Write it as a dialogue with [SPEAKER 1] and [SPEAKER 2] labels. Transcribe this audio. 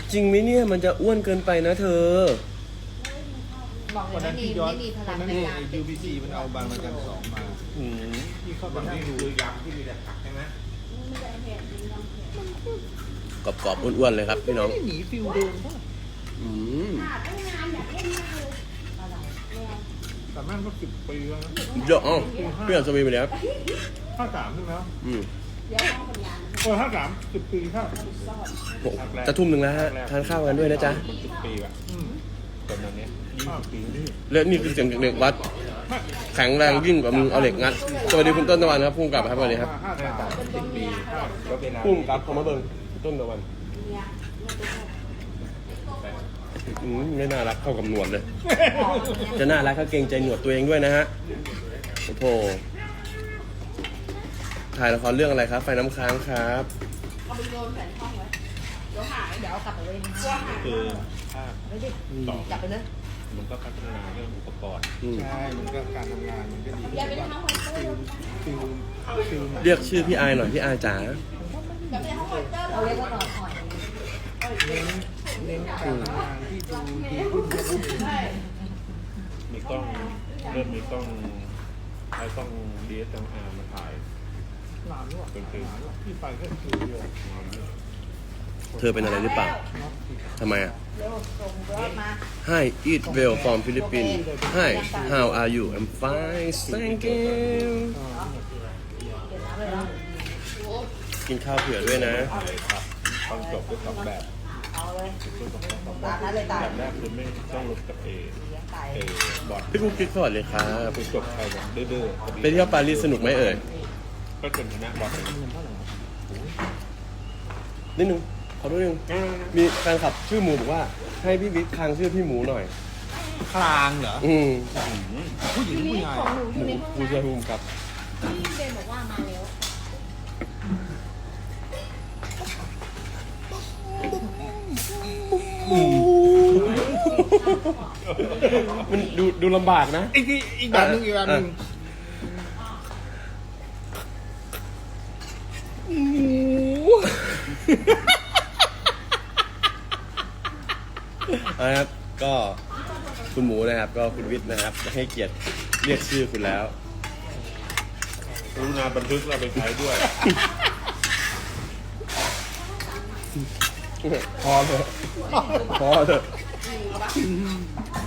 [SPEAKER 1] จริงไหมเนี่ยมันจะอ้วนเกินไปนะเธอ
[SPEAKER 2] บอกเล
[SPEAKER 3] วัน
[SPEAKER 2] ย
[SPEAKER 3] นั้น
[SPEAKER 2] ไม่
[SPEAKER 3] ที่ย้อน
[SPEAKER 2] มีพลั
[SPEAKER 3] วั
[SPEAKER 2] ง
[SPEAKER 3] นนั้น
[SPEAKER 2] ใน
[SPEAKER 3] ที่
[SPEAKER 2] การ
[SPEAKER 3] UBC มันเอาบางระจัน2มา
[SPEAKER 1] อืม
[SPEAKER 3] ที่เข้าไปนั่งดูยำที่มีแต่ผักใช่ไหม
[SPEAKER 1] กรอบๆอ้วนๆเลยครับพี่น้อง
[SPEAKER 3] ไม่หนีฟิลเดิมป่ะ
[SPEAKER 1] อืม
[SPEAKER 3] แต่แม่งก็10 ปีแล้วนะ
[SPEAKER 1] เยอะอ๋อพี่อ่านสวีไปแล้ว
[SPEAKER 3] 53ใช่ไหม
[SPEAKER 1] อืม
[SPEAKER 3] 53 10 ปีครับ
[SPEAKER 1] โหจะทุ่มหนึ่งแล้วฮะทานข้าวกันด้วยนะจ๊ะ
[SPEAKER 4] มัน10 ปีอะตอนนั้นเนี้ย20 ปีนี่
[SPEAKER 1] และนี่คือเสียงจากเด็กวัด แข็งแรงยิ่งกว่ามึงเอาเหล็กงัดสวัสดีคุณต้นตะวันครับพุ่งกลับครับสวัสดีครับ
[SPEAKER 4] 10 ปีก็เวลา
[SPEAKER 1] พุ่งกลับเขามาเบิ่งต้นตะวันไม่น่ารักเข้ากับหนวดเลย จะน่ารักก็เกรงใจหนวดตัวเองด้วยนะฮะโอ้โหถ่ายละครเรื่องอะไรครับ ไฟน้ำค้างครับ
[SPEAKER 2] เอาไปโยนแผ่นห้องไว้เดี๋ยวหายเดี๋ยวเอากลับไปเลยกลัวหาย
[SPEAKER 4] คือภาพ
[SPEAKER 2] ไม่ได้จับไปเลย
[SPEAKER 4] มันก็พัฒนาเรื่องอุปกรณ์
[SPEAKER 1] อืม
[SPEAKER 3] ใช่มันก็การทำงานมันก็ดี
[SPEAKER 2] อย่าไปทำห้องไวเตอร์
[SPEAKER 3] ฟิลหนัง
[SPEAKER 1] เรียกชื่อพี่อายหน่อยพี่อายจ๋า
[SPEAKER 2] อย่าไปห้องไวเตอร์เราเรียกว่าต่ออ่อน
[SPEAKER 3] เน้นการทำงานที่ดูดีขึ้น
[SPEAKER 4] มีกล้องเริ่มมีกล้องใช้กล้อง DSLR มาถ่าย
[SPEAKER 3] หลานด้วยที่ไปก็คือเดียว
[SPEAKER 1] เธอเป็นอะไรหรือเปล่าทำไมอ่ะ
[SPEAKER 2] เร็วส่งรถมา
[SPEAKER 1] Hi eat well from Philippines Hi how are you I'm fine thank you
[SPEAKER 2] เก็บน้ำเลยเนาะ
[SPEAKER 1] กินข้าวเผื่อด้วยนะ
[SPEAKER 4] ตอนจบก็2 แบบ
[SPEAKER 2] เอาเลย
[SPEAKER 4] ตา
[SPEAKER 2] ตามนั้นเลยตาย
[SPEAKER 4] แบบแรกคือไม่ต้องลบกับ
[SPEAKER 2] เลี้ยงไก่
[SPEAKER 4] บอด
[SPEAKER 1] พี่กุ๊กกิ๊กสวัสดีครับ
[SPEAKER 4] คือจบไปแบบดื้อๆ
[SPEAKER 1] ไปเที่ยวปารีสสนุกไหมเอ่ย
[SPEAKER 4] ก็จนชนะบอดเลย
[SPEAKER 1] นิดนึงขอดูนึงมีแฟนคลับชื่อหมูบอกว่าให้พี่บิ๊กคางชื่อพี่หมูหน่อย
[SPEAKER 3] คลางเหรอ
[SPEAKER 1] อืม
[SPEAKER 3] ผู้หญิงผู้ชาย
[SPEAKER 2] ของหนูอ
[SPEAKER 1] ห
[SPEAKER 2] ยู่
[SPEAKER 1] มู
[SPEAKER 2] ในห้อง
[SPEAKER 1] ผู้ช่วยผู้กำกับ
[SPEAKER 2] พี่เบนบอกว่ามาแล้ว
[SPEAKER 1] มันดูลำบากนะ
[SPEAKER 3] อีกแบบนึงอีกแบบนึง
[SPEAKER 1] นะครับก็คุณหมูนะครับ ก็คุณวิทย์นะครับให้เกียรติเรียกชื่อคุณแล้ว
[SPEAKER 4] รู้นาบันทึกเราไปใช้ด้วย
[SPEAKER 1] พอเถอะพอเถอะ